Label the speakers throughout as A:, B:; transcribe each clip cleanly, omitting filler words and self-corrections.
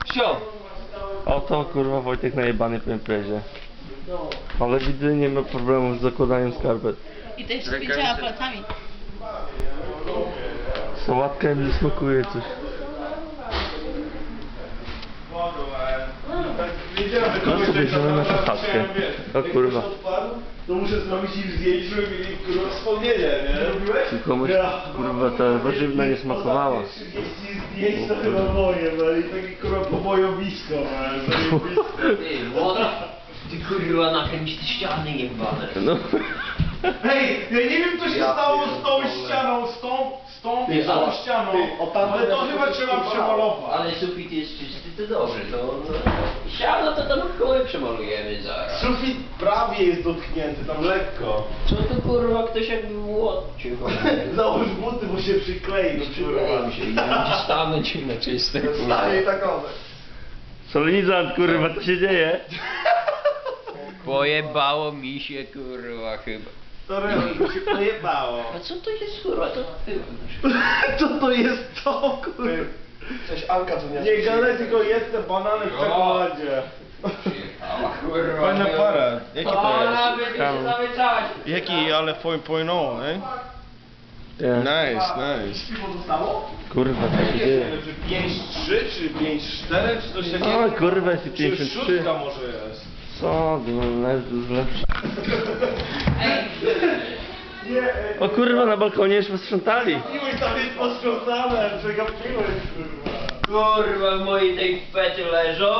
A: Sio!
B: Oto kurwa Wojtek najebany po imprezie. Ale widzę, nie ma problemu z zakładaniem skarpet.
C: I też z 5 aparatami.
B: Sałatka mi smakuje coś. No sobie wziąłem na chatkę. O kurwa.
D: To muszę zrobić im zdjęcie, żeby mieli kurwa wspomnienie, nie?
B: Tylko komuś kurwa ta warzywna nie smakowała.
D: 30 zdjęć to chyba moje, no i takie kurwa pobojowisko,
A: Ty, młoda! Ty kurwa nakręć te ściany jebane.
B: No.
D: Hej, ja nie wiem co się stało z tą ścianą, z tą i z tą ścianą, ale to chyba trzeba przemalować.
A: Ale sufit jest czysty, to dobrze, to... Siano to tam w koły przemalujemy zaraz.
D: Sufit prawie jest dotknięty, tam lekko.
A: Co to kurwa ktoś jakby młodcił?
D: Załóż buty, bo się przyklei, no
A: Przyklei się i będzie stanąć na czyste kurwa.
D: Stanie takowe.
B: Solenizant kurwa, co się dzieje?
A: Pojebało mi się kurwa chyba.
D: Sorry, mi się pojebało.
A: A co to jest kurwa to ty?
D: Co to jest to, kurwa?
E: Coś Anka tu nie
D: Nie gadaj, tylko jest te banany w czekoladzie.
A: Przyjechała kurwa.
E: Fajna para. Jaki to
A: Ona
E: jest?
A: będzie się zamyczać.
E: Jaki, ale 4.0, eh?
B: Nie.
E: Nice, nice.
D: Piwo zostało?
B: Kurwa, co się dzieje?
D: Czy 5-3, czy 5-4, czy coś takiego?
B: O kurwa, jest i
D: Czy
B: 53.
D: szóstka może jest?
B: Co? No, lepsze.
D: Nie,
B: O kurwa, na balkonie już posprzątali.
D: piłeś tam jest posprzątane, przegapiłeś, kurwa.
A: Kurwa w mojej tej pety leżą.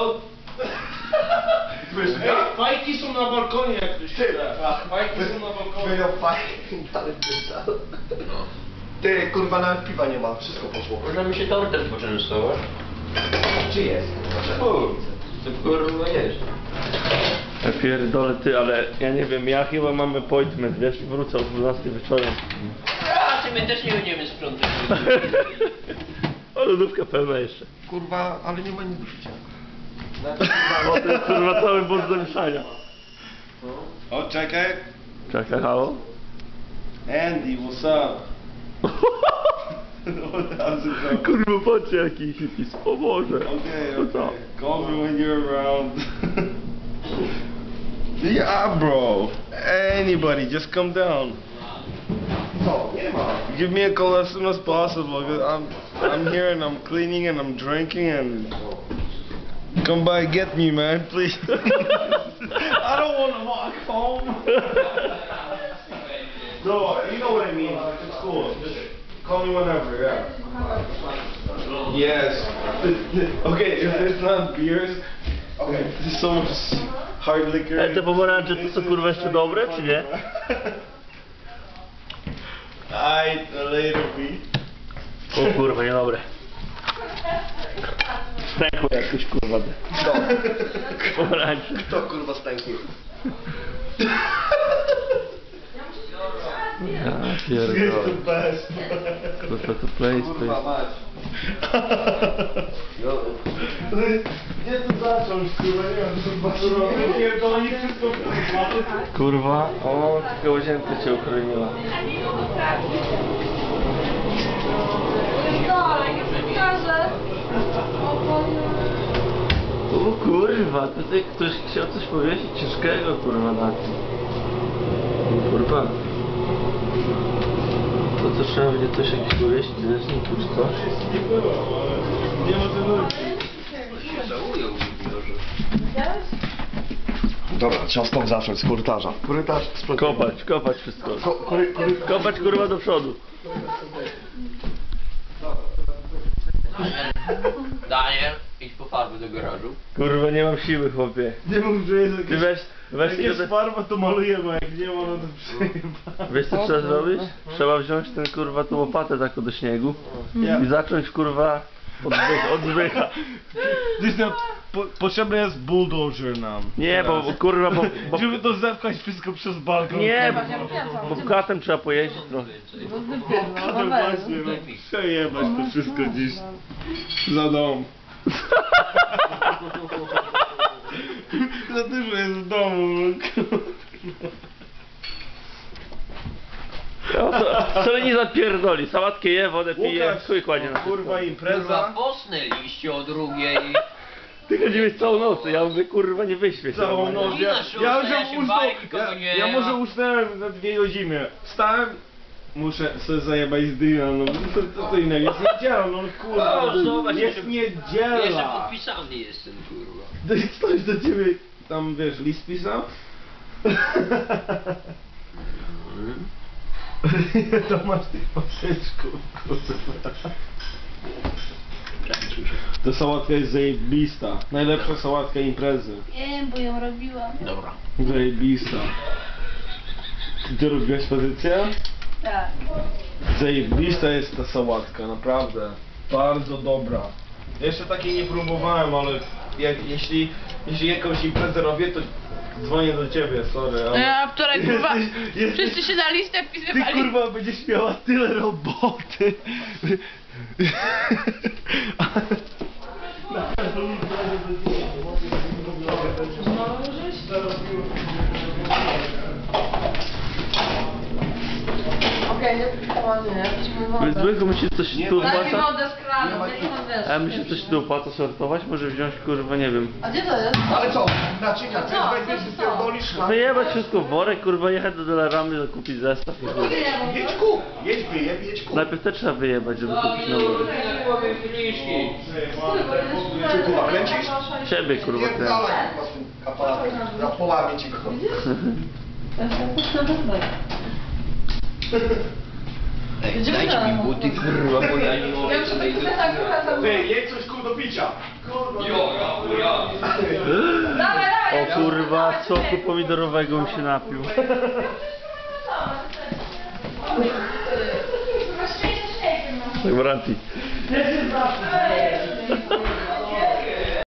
D: Ej, fajki są na balkonie, jak ktoś chce. Fajki są na balkonie.
E: Wyjął fajnie, ale pytał. Ty, kurwa, nawet piwa nie ma, wszystko poszło.
A: Możemy się tortem poczęstować.
E: Czy jest?
A: To kurwa jest.
B: Ja pierdolę ty, ale ja nie wiem, ja chyba mam appointment, wiesz, wrócę o 12 wieczorem.
A: A ty my też nie będziemy sprzątać.
B: O, lodówka pełna jeszcze.
E: Kurwa, ale nie ma nic do picia.
B: O, to jest kurwa cały bądź do mieszania.
D: O, czekaj.
B: Czekaj, halo?
D: Andy, what's up?
B: Kurwa, patrzcie jaki hipis, o Boże.
D: Okay,
B: To co?
D: okay. Call me when you're around. Yeah, bro. Anybody, just come down.
E: Co? Nie ma.
D: Give me a call as soon as possible. 'Cause I'm here and I'm cleaning and I'm drinking and come by and get me, man, please. I don't want to walk home. No, you know what I mean. It's cool. Just call me whenever. Yeah. Yes. Okay, if it's not beers, okay, there's so much hard liquor.
B: Te pomarańcze to są kurwa jeszcze dobre, czy nie?
D: I later be.
B: O kurwa, niedobre. Stękło jakoś kurwa.
E: Kto?
B: Pomarańcze.
E: Kto kurwa stęknie?
B: Ja
D: It's the
B: pierdolę.
D: best.
B: Kurwa, to place,
E: Kurwa,
B: place.
E: mać.
D: Gdzie tu zacząć, kurwa, nie wiem, to chyba surowe. Pierdolę, wszystko kurwa.
B: Kurwa, o, tylko łazienka cię uchroniła. O kurwa, tutaj ktoś chciał coś powiesić ciężkiego kurwa na tym. Kurwa. To co trzeba będzie coś jakieś powiesić, leśniku czy coś?
D: Nie było, ale nie ma co mówić.
A: Się żałują w biurze.
E: Dobra, trzeba stąd zacząć, z korytarza. Korytarz, sprzątamy.
B: Kopać wszystko.
E: Korytarz.
B: Kopać kurwa do przodu.
A: Daniel, idź po farby do garażu.
B: Kurwa, nie mam siły chłopie.
D: Nie mów, że jest
B: Ty
D: jakieś...
B: weź
D: Jak jest
B: sobie...
D: farba, to malujemy, a jak nie ma, no to przyjeba.
B: Wiesz co trzeba zrobić? Trzeba wziąć ten kurwa tą łopatę taką do śniegu
D: Ja.
B: i zacząć kurwa od zbycha.
D: Potrzebny jest bulldozer nam.
B: Nie, bo kurwa, bo
D: Żeby to zepchać wszystko przez balkon.
B: nie, bo katem trzeba pojeździć trochę.
D: No właśnie, no. Przejebać to wszystko dziś. Za dom. Za dużo jest w domu.
B: Solenizant pierdoli, sałatkę je, wodę pije,
D: Łukasz,
B: chuj kładzie na
D: kurwa
A: Kurwa,
D: impreza.
A: posnę liście o drugiej.
B: Ty chodziłeś całą noc, ja mówię, kurwa, nie wyświeć.
D: Całą noc.
A: Nie na szóstej, ja się bałem, nikogo nie
D: Ja
A: ma.
D: może usnąłem na 2 godziny. Wstałem, muszę sobie zajebać z dyna, no to innego. Jest niedziela, no kurwa.
A: O, zobacz,
D: jest
A: jeszcze
D: niedziela.
A: podpisany jestem, kurwa.
D: To jest ktoś do ciebie, tam wiesz, list pisał? To masz tych poprzeczków, kurwa. Ta sałatka jest zajebista. Najlepsza sałatka imprezy.
C: Wiem, bo ją robiłam.
A: Dobra.
D: Zajebista. Ty robiłeś pozycję?
C: Tak.
D: Zajebista jest ta sałatka, naprawdę. Bardzo dobra. Jeszcze takiej nie próbowałem, ale jeśli jakąś imprezę robię, to dzwonię do ciebie, sorry. Ale...
C: A wczoraj kurwa,
D: Jesteś-
C: wszyscy się na listę
D: Ty
C: wpisywali.
D: kurwa będziesz miała tyle roboty.
C: Okej, nie przychodzi, nie?
B: Więc zwykle myślisz, coś tu
C: Daj mi
B: opłaca?
C: wodę z kranu, daj mi wodę.
B: A myślisz, coś tu opłaca sortować? Może wziąć, kurwa, nie wiem.
C: A gdzie to jest?
E: Ale co? Naczynia, ty
C: Co?
E: weźmiesz,
C: Co?
E: wypierdolisz na...
B: Wyjebać wszystko w worek, kurwa, jechać do Dolaramy, kupić zestaw i chuj.
E: Jedź kup, jedź wyjeb, jedź kup.
B: Najpierw te trzeba wyjebać, żeby kupić nowe.
A: Powiem friszki.
E: Czy kurwa kręcisz?
B: Ciebie, kurwa,
E: Nie
B: ten.
E: dalej kurwa z tym aparatem. Ja połamię ci go.
A: Ej, dajcie mi buty, kurwa, bo ja nie mogę tutaj do...
E: Ty, jedź coś kur do picia.
A: Ja.
B: O kurwa, soku pomidorowego mi się napił. Tak, Branti.